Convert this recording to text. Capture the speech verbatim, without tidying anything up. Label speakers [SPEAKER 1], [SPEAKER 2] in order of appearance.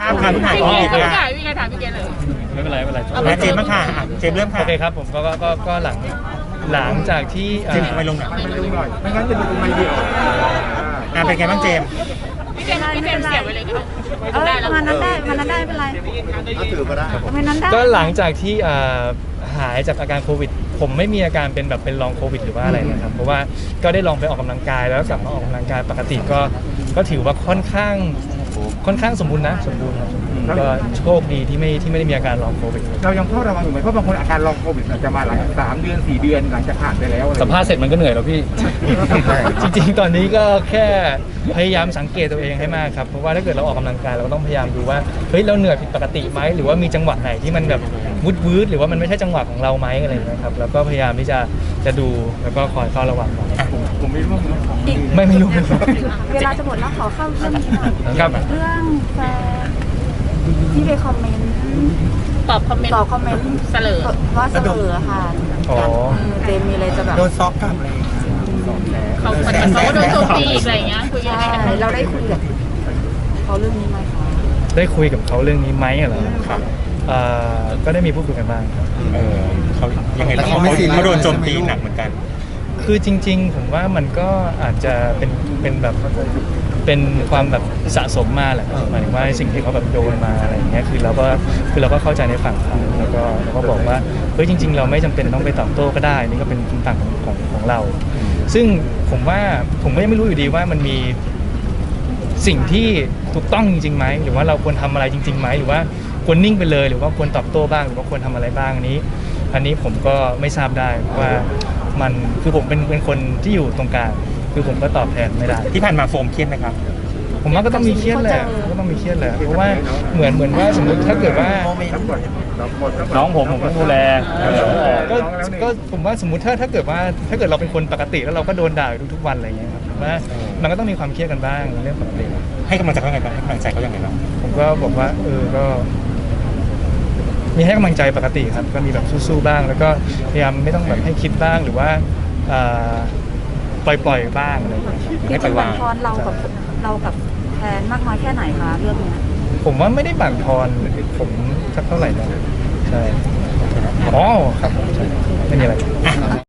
[SPEAKER 1] ามค่ะพี่หาย
[SPEAKER 2] พี่
[SPEAKER 1] พี่
[SPEAKER 2] เก
[SPEAKER 1] เก
[SPEAKER 2] ด
[SPEAKER 1] ด
[SPEAKER 2] พี่
[SPEAKER 1] ค่ะ
[SPEAKER 2] ไก่พี่ไก่ถามพี่เกดเลย
[SPEAKER 3] ไม่เป็นไรไม่เป็นไร
[SPEAKER 1] มาเจมส์บ้างค่ะอ่ะเจมส์เริ่มค่ะ
[SPEAKER 3] โอเคครับผมก็ก็ก็ก็หลังหลังจากที่อ่า
[SPEAKER 1] เจมส์ไม่ลงหน่อย
[SPEAKER 4] ไม่ลงหน่อยไม่งั้นจะดูไม่ดี
[SPEAKER 1] อ่ะเป็นไงบ้างเจมส์
[SPEAKER 2] พี่เกดพี่เกดเสียบไปเลยก็
[SPEAKER 5] เออประมาณนั้นได้ประมาณนั้นได้ไม่เป็นไร
[SPEAKER 4] ถ้าถือก็ได้
[SPEAKER 5] ประมาณนั้นได้
[SPEAKER 3] ก็หลังจากที่อ่าหายจากอาการโควิด ผมไม่มีอาการเป็นแบบเป็นลองโควิดหรือว่าอะไรนะครับเพราะว่าก็ได้ลองไปออกกำลังกายแล้วกลับมาออกกำลังกายปกติก็ก็ถือว่าค่อนข้างค่อนข้างสมบูรณ์นะสมบูรณ์ครับก็โชคดีที่ไม่ที่ไม่ได้มีอาการลองโควิด
[SPEAKER 4] เรายังเฝ้าระวังอยู่ไหมเพราะบางคนอาการลองโควิดอาจจะมาหลังสามเดือนสี่เดือนหลังจากผ่านไปแล้ว
[SPEAKER 3] สัมภาษณ์เสร็จมันก็เหนื่อยแล้วพี่ จริงๆ ตอนนี้ก็แค่พยายามสังเกตตัวเองให้มากครับ เพราะว่าถ้าเกิดเราออกกำลังกายเราก็ต้องพยายามดูว่าเฮ้ยเราเหนื่อยผิดปกติไหมหรือว่ามีจังหวะไหนที่มันแบบวุดวืดหรือว่ามันไม่ใช่จังหวะของเราไหมอะไรอย่างเงี้ยครับแล้วก็พยายามที่จะจะดูแล้วก็คอยเฝ้าระวังไว้
[SPEAKER 4] ผมไม่รู้ว่า
[SPEAKER 3] ไม่ไม่รู้
[SPEAKER 5] เวลาจะหมดแล้วขอเข้าเรื่องนี้หน่อย
[SPEAKER 3] ครับ
[SPEAKER 5] เรื่องแฟนที่ไปคอมเมนต์
[SPEAKER 2] ตอบคอมเมนต์
[SPEAKER 5] ตอบคอมเมนต์
[SPEAKER 2] เสลอ
[SPEAKER 5] ว่าเสลอค่ะ
[SPEAKER 3] อ๋อ
[SPEAKER 5] เจมมีอะไรจะแบบ
[SPEAKER 1] โดนซอกกลับเลย
[SPEAKER 2] เขาเหมือนเขาก็โดนโจมตีอีกอะไรอย่างเงี้ยคุยยัง
[SPEAKER 5] ใช่
[SPEAKER 2] ไงกันบ้าง
[SPEAKER 5] เราได้คุยกับเขาเรื่องนี้ไหมคะ
[SPEAKER 3] ได้คุยกับเขาเรื่องนี้ไหมเหรอครับเอ่อก็ได้มีพูดคุยกันบ้างครับ
[SPEAKER 1] เออเขายังไงบ้างเขาเขาโดนโจมตีหนักเหมือนกัน
[SPEAKER 3] คือจริงๆ ผมว่ามันก็อาจจะเป็นเป็นแบบเป็นความแบบสะสมมาแหละหมายถึงว่าสิ่งที่เขาแบบโดนมาอะไรอย่างเงี้ยคือเราก็คือเราก็เข้าใจในฝั่งเขาแล้วก็เราก็บอกว่าเฮ้ยจริง ๆ เราไม่จำเป็นต้องไปตอบโต้ก็ได้นี่ก็เป็นฝั่งของของของเรา ซึ่งผมว่าผมก็ยังไม่รู้อยู่ดีว่ามันมีสิ่งที่ถูกต้องจริงๆไหมหรือว่าเราควรทำอะไรจริงๆไหมหรือว่าควรนิ่งไปเลยหรือว่าควรตอบโต้บ้างหรือว่าควรทำอะไรบ้างอันนี้ อันนี้ผมก็ไม่ทราบได้ว่ามันคือผมเป็นเป็นคนที่อยู่ตรงกลางคือผมก็ตอบแทนไม่ได้
[SPEAKER 1] ที่ผ่านมาโฟมเครียดไหมครับ
[SPEAKER 3] ผมว่าก็ต้องมีเครียดแหละก็ต้องมีเครียดแหละเพราะว่าเหมือนเหมือนว่าสมมติถ้าเกิดว่า
[SPEAKER 6] น้องผมผมต้องดูแล
[SPEAKER 3] ก็ก็ผมว่าสมมติถ้าถ้าเกิดว่าถ้าเกิดเราเป็นคนปกติแล้วเราก็โดนด่าอยู่ทุกๆวันอะไรอย่างเงี้ยครับผมว่ามันก็ต้องมีความเครียดกันบ้างเรื่องปกติ
[SPEAKER 1] ให้กำลังใจเขายังไงบ้างให้กำลังใจเขายังไงบ้าง
[SPEAKER 3] ผมก็บอกว่าเออก็มีให้กำลังใจปกติครับก็มีแบบสู้ๆบ้าง แล้วก็พยายามไม่ต้องแบบให้คิดบ้างหรือว่าปล่อยปล่อยๆบ้างอะไรอย่างเงี้ยครับ
[SPEAKER 5] ที่จะบั่นทอนเรากับเรากับแฟนมากน้อยแค่ไหนคะเรื่องเนี้ย
[SPEAKER 3] ผมว่าไม่ได้บั่นทอนผมสักเท่าไหร่นะใช่อ๋อครับผมใช่ไม่มีอะไร